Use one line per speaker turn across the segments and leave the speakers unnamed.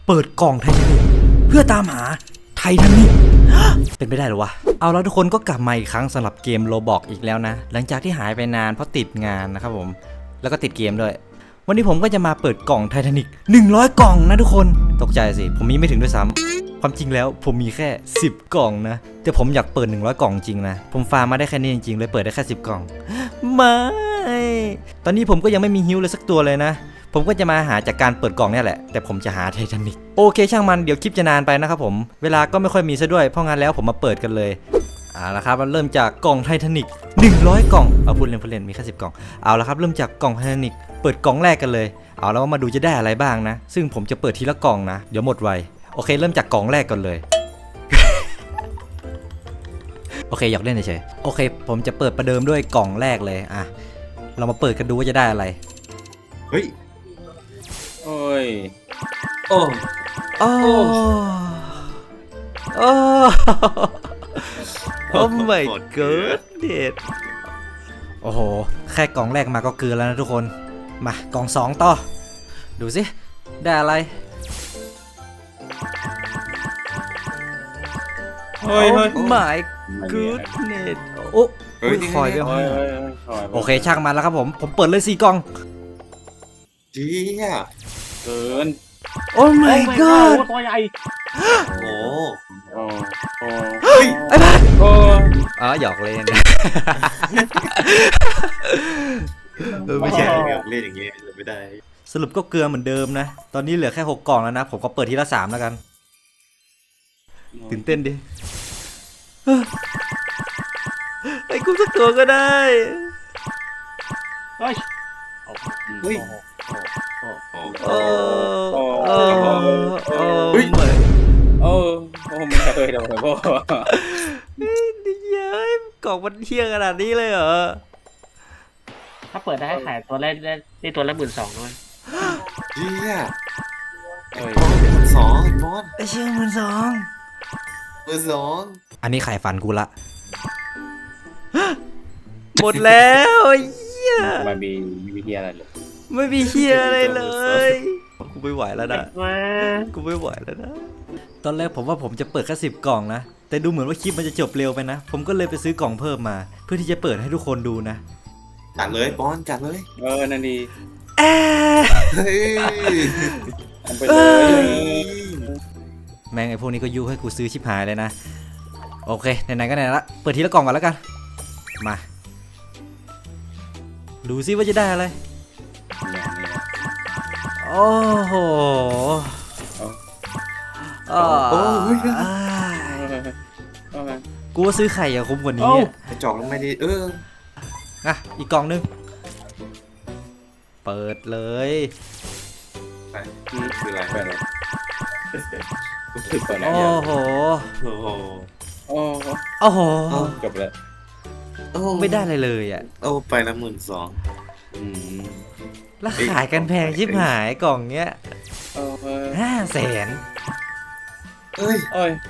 เปิดกล่องไททานิคเพื่อตามหาไททานิคเป็นไปได้หรอวะเอาแล้วทุกคนก็กลับมาอีกครั้งสำหรับเกมโรบอกอีกแล้วนะหลังจากที่หายไปนานเพราะติดงานนะครับผมแล้วก็ติดเกมด้วยวันนี้ผมก็จะมาเปิดกล่องไททานิค100 กล่องนะทุกคนตกใจสิผมมีไม่ถึงด้วยซ้ำความจริงแล้วผมมีแค่10 กล่องนะแต่ผมอยากเปิด100 กล่องจริงนะผมฟาร์มมาได้แค่นี้จริงๆเลยเปิดได้แค่10 กล่องไม่ตอนนี้ผมก็ยังไม่มีฮิวเลยสักตัวเลยนะผมก็จะมาหาจากการเปิดกล่องนี่แหละแต่ผมจะหาไททานิคโอเคช่างมันเดี๋ยวคลิปจะนานไปนะครับผมเวลาก็ไม่ค่อยมีซะด้วยเพราะงั้นแล้วผมมาเปิดกันเลยละครับเริ่มจากกล่องไททานิค100 กล่องเอาพูดเล่นมีแค่10 กล่องเอาละครับเริ่มจากกล่องไททานิคเปิดกล่องแรกกันเลยเอาแล้วมาดูจะได้อะไรบ้างนะซึ่งผมจะเปิดทีละกล่องนะเดี๋ยวหมดไวโอเคเริ่มจากกล่องแรกก่อนเลย โอเคอยากเล่นเฉยๆโอเคผมจะเปิดประเดิมด้วยกล่องแรกเลยเรามาเปิดกันดูว่าจะได้อะไร
เฮ้ย
โอ้ย
โอ้
โอ้โอ้ โอ้ my god เด็ดโอ้โหแค่กล่องแรกมาก็เกินแล้วนะทุกคนมากล่อง2ต่อดูสิได้อะไร
เฮ้ย
my goodness โอ้คอยก็โอเคช่างมันแล้วครับผมเปิดเลย4 กล่อง
เจี๊ย
เกิน
โอ้ my god
ตัวใหญ่
โอ้
เฮ้ยไอ้บ้าหยอกเล่น
ไม่ใช่เล่นอย่างงี้ไม่ได้
สรุปก็เกลือเหมือนเดิมนะตอนนี้เหลือแค่6 กล่องแล้วนะผมก็เปิดทีละ3แล้วกันตื่นเต้นดิไอ้กูสักตัวก็ได้
เฮ้ย
เฮ้ย
ไม่เคยโดนพ่อ
นี่เย้ยกล่องมันเที่ยงขนาดนี้เลยเหรอ
ถ้าเปิดได้ขายตัวแรกได้ตัวละ12,000ด้วย
เจี๊ยไอ้บอล12,000ไอ้บอล
ไอ้เชี่ย12,000อันนี้ขายฟันกูละหมดแล้วเหี้ย
มันมีวิธีอะไรหรอ
ไม่มีเหี้ยอะไรเลยกูไม่ไหวแล้วนะกูไม่ไหวแล้วนะตอนแรกผมว่าผมจะเปิดแค่10 กล่องนะแต่ดูเหมือนว่าคลิปมันจะจบเร็วไปนะผมก็เลยไปซื้อกล่องเพิ่มมาเพื่อที่จะเปิดให้ทุกคนดูนะ
จัดเลยบอลจัดเลย
นั่นดี
ไปเลยแม่งไอ้พวกนี้ก็ยุให้กูซื้อชิบหายเลยนะโอเคไหนๆก็ไหนละเปิดทีละกล่องก่อนแล้วกันมาดูซิว่าจะได้อะไรโอ้โหกูว่าซื้อไข่อย่าคุ้มกว่านี้
ไปจอกลงไม่ดี
อีกกล่องนึงเปิดเลย
ไปคืออะไรไปเลย
โอ้โห
จบแล้ว
ไม่ได้เลยอ่ะ
ไปละ12,000
แล้วขายกันแพงชิบหายกล่องเนี้ย500,000
เฮ้ย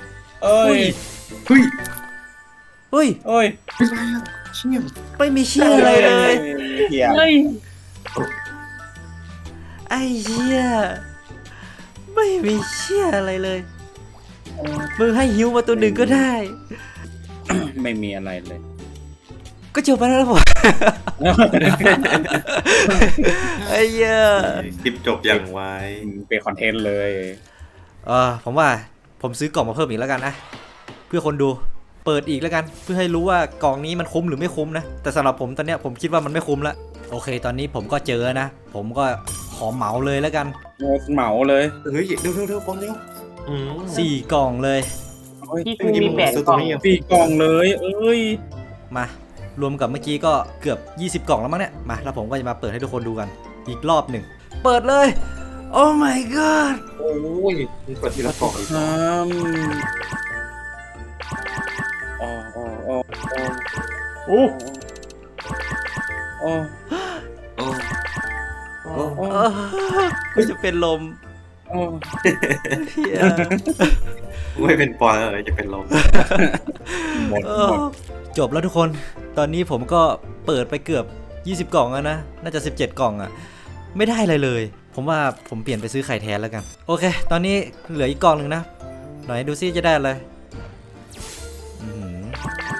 เชี่ย
ไม่มีเชี่ยอะไรเลยไอ้เชี่ยไม่มีเชี่ยอะไรเลยมึงให้ฮิวมาตัวหนึ่งก็ได้
ไม่มีอะไรเลย
ก็จบไปแล้วผมไอ้เหี้ย
คลิปจบอย่างไว
เป็นคอนเทนต์เลย
ผมว่าผมซื้อกล่องมาเพิ่มอีกแล้วกันนะเพื่อคนดูเปิดอีกแล้วกันเพื่อให้รู้ว่ากล่องนี้มันคุ้มหรือไม่คุ้มนะแต่สำหรับผมตอนเนี้ยผมคิดว่ามันไม่คุ้มละโอเคตอนนี้ผมก็เจอนะผมก็ขอเหมาเลยแล้วกัน
เหมาเลย
เฮ้ยเร็วปอนเร็ว
4 กล่องเลย
ที่กูมี8 กล่อง
4 กล่องเลย
มารวมกับเมื่อกี้ก็เกือบ20 กล่องแล้วมั้งเนี่ยมาแล้วผมก็จะมาเปิดให้ทุกคนดูกันอีกรอบหนึ่งเปิดเลยโอ้ my god
โอ้ยเปิดทีละกล่อง
กูจะเป็นลม
ไม่เป็นปอนเลยจะเป็นลม
หมด
จบแล้วทุกคนตอนนี้ผมก็เปิดไปเกือบ20 กล่องแล้วนะน่าจะ17 กล่องอ่ะไม่ได้อะไรเลยผมว่าผมเปลี่ยนไปซื้อไข่แทนแล้วกันโอเคตอนนี้เหลืออีกกล่องหนึ่งนะหน่อยดูซิจะได้อะไรอื้อหือ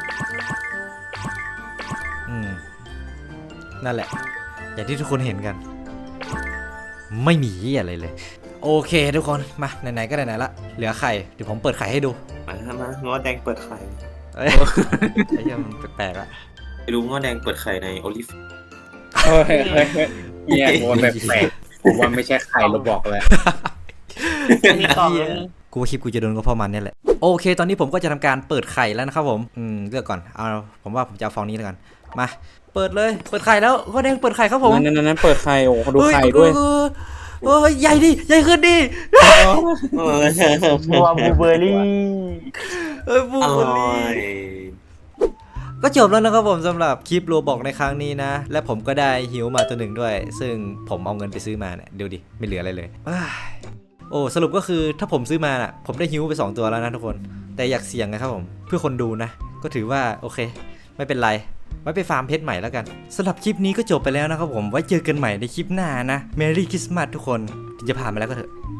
นั่นแหละอย่างที่ทุกคนเห็นกัน ไม่มีอะไรเลยโอเคทุกคนมาไหนๆก็ไหนๆละเหลือไข่เดี๋ยวผมเปิดไข่ให้ดู
มาง้อแดงเปิดไข่
เอ้ยไอ้เหี้ยมันแปลกๆละ
ไปดูง้อแดงเปิดไข่ในโอลิฟ
เฮ้ยเนี่ยโดนแบบแปลกผมว่าไม่ใช่ใครเราบอกเลย
มีกล่องนึง
กูว่าคลิปกูจะโดนก็เพราะมันเนี่ยแหละโอเคตอนนี้ผมก็จะทำการเปิดไข่แล้วนะครับผมเลือกก่อนเอาผมว่าผมจะเอาฟองนี้แล้วกันมาเปิดเลยเปิดไข่แล้วก็แดงเปิดไข่ครับผม
นั่นเปิดไข่โอ้ดูไข่ด้วย
เฮ้ยใหญ่ดิใหญ่ขึ้นดิ
ตัวบลูเบอร์รี่
เฮ้ยบู
อ
เบอ
ร่อ
รี่
ย
ก็จบแล้วนะครับผมสำหรับคลิปโรบอกในครั้งนี้นะ และผมก็ได้หิวมาตัวหนึ่งด้วย ซึ่งผมเอาเงินไปซื้อมาเนี่ยดูดิไม่เหลืออะไรเลยอ้ายโอ้สรุปก็คือถ้าผมซื้อมาน่ะผมได้หิวไป2ตัวแล้วนะทุกคนแต่อยากเสี่ยงนะครับผมเพื่อคนดูนะก็ถือว่าโอเคไม่เป็นไรไว้ไปฟาร์มเพชรใหม่แล้วกันสำหรับคลิปนี้ก็จบไปแล้วนะครับผมไว้เจอกันใหม่ในคลิปหน้านะ Merry Christmas ทุกคนจะผ่านมาแล้วก็เถอะ